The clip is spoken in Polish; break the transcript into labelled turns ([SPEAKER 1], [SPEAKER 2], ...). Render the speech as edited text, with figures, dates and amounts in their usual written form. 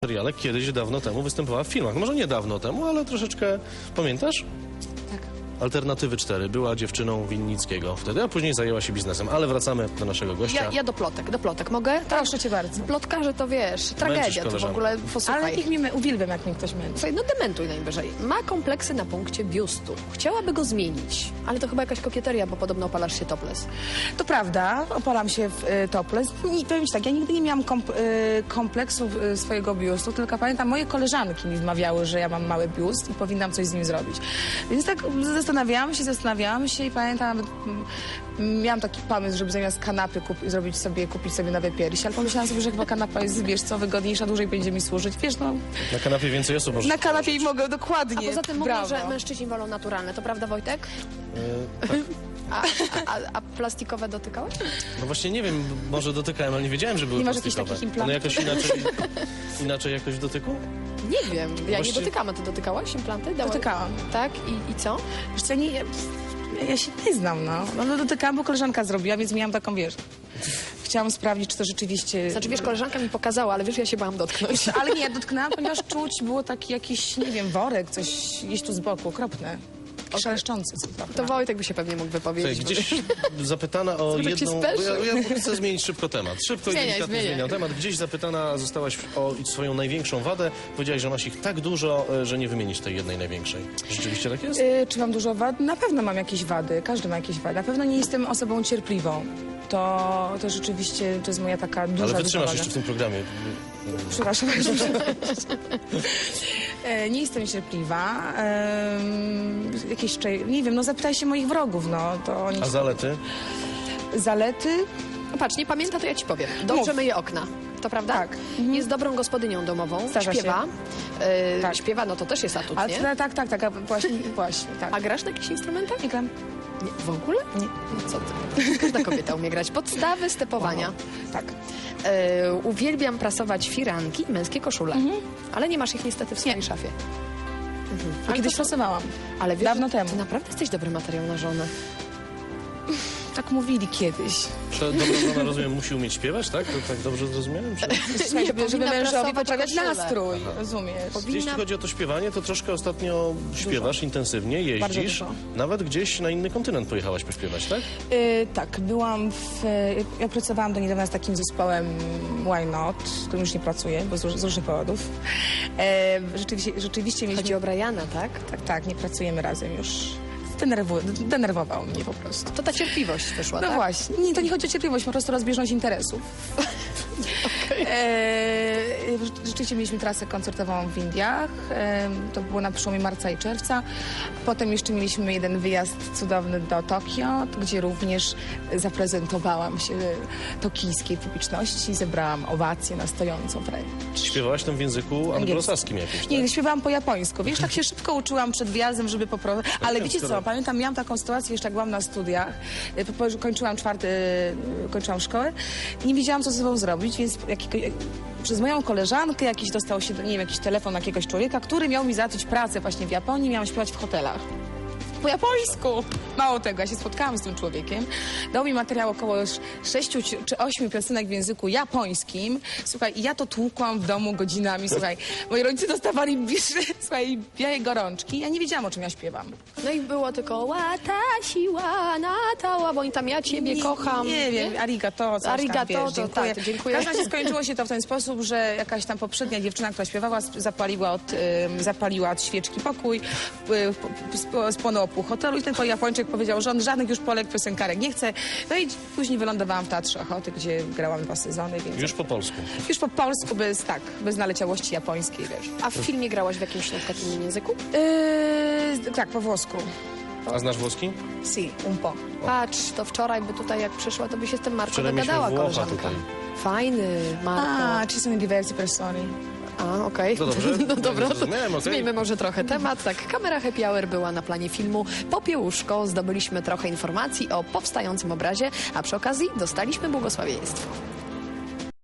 [SPEAKER 1] seriale kiedyś, dawno temu występowała w filmach. Może nie dawno temu, ale troszeczkę... Pamiętasz?
[SPEAKER 2] Tak.
[SPEAKER 1] Alternatywy 4. Była dziewczyną Winnickiego wtedy, a później zajęła się biznesem. Ale wracamy do naszego gościa.
[SPEAKER 2] Ja do plotek. Mogę?
[SPEAKER 3] Proszę cię bardzo.
[SPEAKER 2] Plotkarze to wiesz, tragedia to w
[SPEAKER 1] koleżankę.
[SPEAKER 2] ogóle, posłuchaj.
[SPEAKER 3] Ale niech mnie uwielbiam, jak mnie ktoś męczy.
[SPEAKER 2] Słuchaj, no dementuj najwyżej. Ma kompleksy na punkcie biustu. Chciałaby go zmienić, ale to chyba jakaś kokieteria, bo podobno opalasz się topless.
[SPEAKER 3] To prawda, opalam się w topless. I powiem ci tak, ja nigdy nie miałam kompleksów swojego biustu, tylko pamiętam, moje koleżanki mi wmawiały, że ja mam mały biust i powinnam coś z nim zrobić. Więc tak zastanawiałam się i pamiętam, miałam taki pomysł, żeby zamiast kanapy kupić sobie nowe piersi, ale pomyślałam sobie, że chyba kanapa jest, wiesz co, wygodniejsza, dłużej będzie mi służyć. Wiesz, no,
[SPEAKER 1] Na kanapie więcej osób może...
[SPEAKER 3] na kanapie i mogę dokładnie.
[SPEAKER 2] A poza tym mówią,
[SPEAKER 3] Brawo.
[SPEAKER 2] że mężczyźni wolą naturalne. To prawda, Wojtek?
[SPEAKER 1] Tak.
[SPEAKER 2] A plastikowe dotykałeś?
[SPEAKER 1] No właśnie nie wiem, może dotykałem, ale nie wiedziałem, że były
[SPEAKER 3] Nie masz jakichś
[SPEAKER 1] plastikowe.
[SPEAKER 3] takich implantów?
[SPEAKER 1] One jakoś inaczej jakoś w dotyku?
[SPEAKER 2] Nie wiem. Ja
[SPEAKER 1] Właściwie-
[SPEAKER 2] nie dotykam, a ty dotykałaś implanty?
[SPEAKER 3] Dotykałam.
[SPEAKER 2] Tak? I co?
[SPEAKER 3] Wiesz co, ja się nie znam, no dotykałam, bo koleżanka zrobiła, więc miałam taką, wiesz, chciałam sprawdzić, czy to rzeczywiście...
[SPEAKER 2] Znaczy, wiesz, koleżanka mi pokazała, ale wiesz, ja się bałam dotknąć.
[SPEAKER 3] Ale nie, dotknęłam, ponieważ czuć było taki jakiś, nie wiem, worek, coś gdzieś tu z boku, okropne. Szeleszczący.
[SPEAKER 2] To Wojtek by się pewnie mógł wypowiedzieć.
[SPEAKER 1] Słuchaj, gdzieś zapytana o
[SPEAKER 2] Zobacz, jak się
[SPEAKER 1] jedną... bo
[SPEAKER 2] speszył.
[SPEAKER 1] ja chcę zmienić szybko temat. Szybko i
[SPEAKER 2] Zmieniaj,
[SPEAKER 1] delikatnie
[SPEAKER 2] zmieniaj.
[SPEAKER 1] zmieniam temat. Gdzieś zapytana zostałaś o swoją największą wadę. Powiedziałaś, że masz ich tak dużo, że nie wymienisz tej jednej największej. Rzeczywiście tak jest?
[SPEAKER 3] Czy mam dużo wad? Na pewno mam jakieś wady, każdy ma jakieś wady. Na pewno nie jestem osobą cierpliwą. To rzeczywiście, to jest moja taka duża
[SPEAKER 1] Ale wytrzymasz
[SPEAKER 3] wada.
[SPEAKER 1] jeszcze w tym programie.
[SPEAKER 3] Przepraszam. Nie jestem cierpliwa. Nie wiem, no zapytaj się moich wrogów, no. To oni...
[SPEAKER 1] A zalety?
[SPEAKER 3] Zalety?
[SPEAKER 2] No patrz, nie pamięta, to ja ci powiem. Dobrze
[SPEAKER 3] Mów.
[SPEAKER 2] myje okna. To prawda?
[SPEAKER 3] Tak.
[SPEAKER 2] Jest dobrą gospodynią domową.
[SPEAKER 3] Zdarza się.
[SPEAKER 2] Śpiewa.
[SPEAKER 3] Tak.
[SPEAKER 2] Śpiewa, no to też jest atut,
[SPEAKER 3] Ale
[SPEAKER 2] nie?
[SPEAKER 3] tak, a właśnie, tak.
[SPEAKER 2] A grasz na jakichś instrumentach?
[SPEAKER 3] Nie gram.
[SPEAKER 2] Nie, w ogóle?
[SPEAKER 3] Nie.
[SPEAKER 2] No co ty? Każda kobieta umie grać. Podstawy stepowania.
[SPEAKER 3] Tak.
[SPEAKER 2] Uwielbiam prasować firanki i męskie koszule. Ale nie masz ich niestety w swojej szafie.
[SPEAKER 3] A kiedyś pracowałam.
[SPEAKER 2] Ale wiesz,
[SPEAKER 3] Dawno temu.
[SPEAKER 2] Ty naprawdę jesteś dobry materiał na żonę.
[SPEAKER 3] Tak mówili kiedyś.
[SPEAKER 1] To dobra żona, rozumiem, musi umieć śpiewać, tak? To tak dobrze zrozumiałem? Czy...
[SPEAKER 3] Słuchaj, żeby
[SPEAKER 2] powinna
[SPEAKER 3] mężowi
[SPEAKER 2] prasować
[SPEAKER 3] poprawiać
[SPEAKER 2] koszulę.
[SPEAKER 3] nastrój, rozumiesz?
[SPEAKER 1] Jeśli chodzi o to śpiewanie, to troszkę ostatnio śpiewasz intensywnie, jeździsz.
[SPEAKER 3] dużo.
[SPEAKER 1] Nawet gdzieś na inny kontynent pojechałaś pośpiewać, tak?
[SPEAKER 3] Tak, ja pracowałam do niedawna z takim zespołem Why Not, którym już nie pracuję, bo z różnych powodów. Rzeczywiście mieliśmy...
[SPEAKER 2] Chodzi o Briana, tak?
[SPEAKER 3] Tak, nie pracujemy razem już. Denerwował mnie po prostu.
[SPEAKER 2] To ta cierpliwość wyszła,
[SPEAKER 3] No
[SPEAKER 2] tak?
[SPEAKER 3] właśnie. Nie, to nie chodzi o cierpliwość, po prostu rozbieżność interesów. Rzeczywiście mieliśmy trasę koncertową w Indiach. To było na przełomie marca i czerwca. Potem jeszcze mieliśmy jeden wyjazd cudowny do Tokio, gdzie również zaprezentowałam się tokijskiej publiczności. Zebrałam owację na stojącą wręcz.
[SPEAKER 1] Śpiewałaś tam w języku anglosaskim jakimś, tak?
[SPEAKER 3] Nie, śpiewałam po japońsku. Wiesz, tak się szybko uczyłam przed wjazdem, żeby po prostu... Ale wiecie co, pamiętam, miałam taką sytuację, jeszcze jak byłam na studiach, kończyłam szkołę i nie wiedziałam, co ze sobą zrobić, więc przez moją koleżankę dostał się, nie wiem, jakiś telefon jakiegoś człowieka, który miał mi załatwić pracę właśnie w Japonii, miałam śpiewać w hotelach. Po japońsku! Mało tego, ja się spotkałam z tym człowiekiem. Dał mi materiał około 6 czy 8 piosenek w języku japońskim. Słuchaj, i ja to tłukłam w domu godzinami, słuchaj. Moi rodzice dostawali, słuchaj, białe gorączki. Ja nie wiedziałam, o czym ja śpiewam.
[SPEAKER 2] No i było tylko watashi wa nata, bo oni tam ja ciebie kocham.
[SPEAKER 3] Nie wiem, arigato, coś
[SPEAKER 2] Arigato,
[SPEAKER 3] tam, wiesz,
[SPEAKER 2] to
[SPEAKER 3] dziękuję.
[SPEAKER 2] tak, dziękuję.
[SPEAKER 3] W każdym razie skończyło się to w ten sposób, że jakaś tam poprzednia dziewczyna, która śpiewała, zapaliła od świeczki pokój, spłonęło pół hotelu i ten Japończyk powiedział, że on żadnych już Polek piosenkarek nie chce. No i później wylądowałam w Teatrze Ochoty, gdzie grałam 2 sezony, więc...
[SPEAKER 1] Już po polsku.
[SPEAKER 3] Już po polsku, bez naleciałości japońskiej, wiesz.
[SPEAKER 2] A w filmie grałaś w jakimś na przykład innym języku?
[SPEAKER 3] Tak, po włosku.
[SPEAKER 1] A znasz włoski?
[SPEAKER 3] Si, un po.
[SPEAKER 2] Patrz, to wczoraj, bo tutaj jak przyszła, to by się z tym Marko
[SPEAKER 1] Wczoraj mieliśmy
[SPEAKER 2] dogadała,
[SPEAKER 1] Włocha
[SPEAKER 2] koleżanka.
[SPEAKER 1] tutaj.
[SPEAKER 2] Fajny, Marko.
[SPEAKER 3] Ci sono diverse persone.
[SPEAKER 2] A, okej.
[SPEAKER 1] To dobrze.
[SPEAKER 2] No dobra, to
[SPEAKER 1] Zrozumiałem, okej.
[SPEAKER 2] zmieńmy może trochę temat. Tak, kamera Happy Hour była na planie filmu Popiełuszko. Zdobyliśmy trochę informacji o powstającym obrazie, a przy okazji dostaliśmy błogosławieństwo.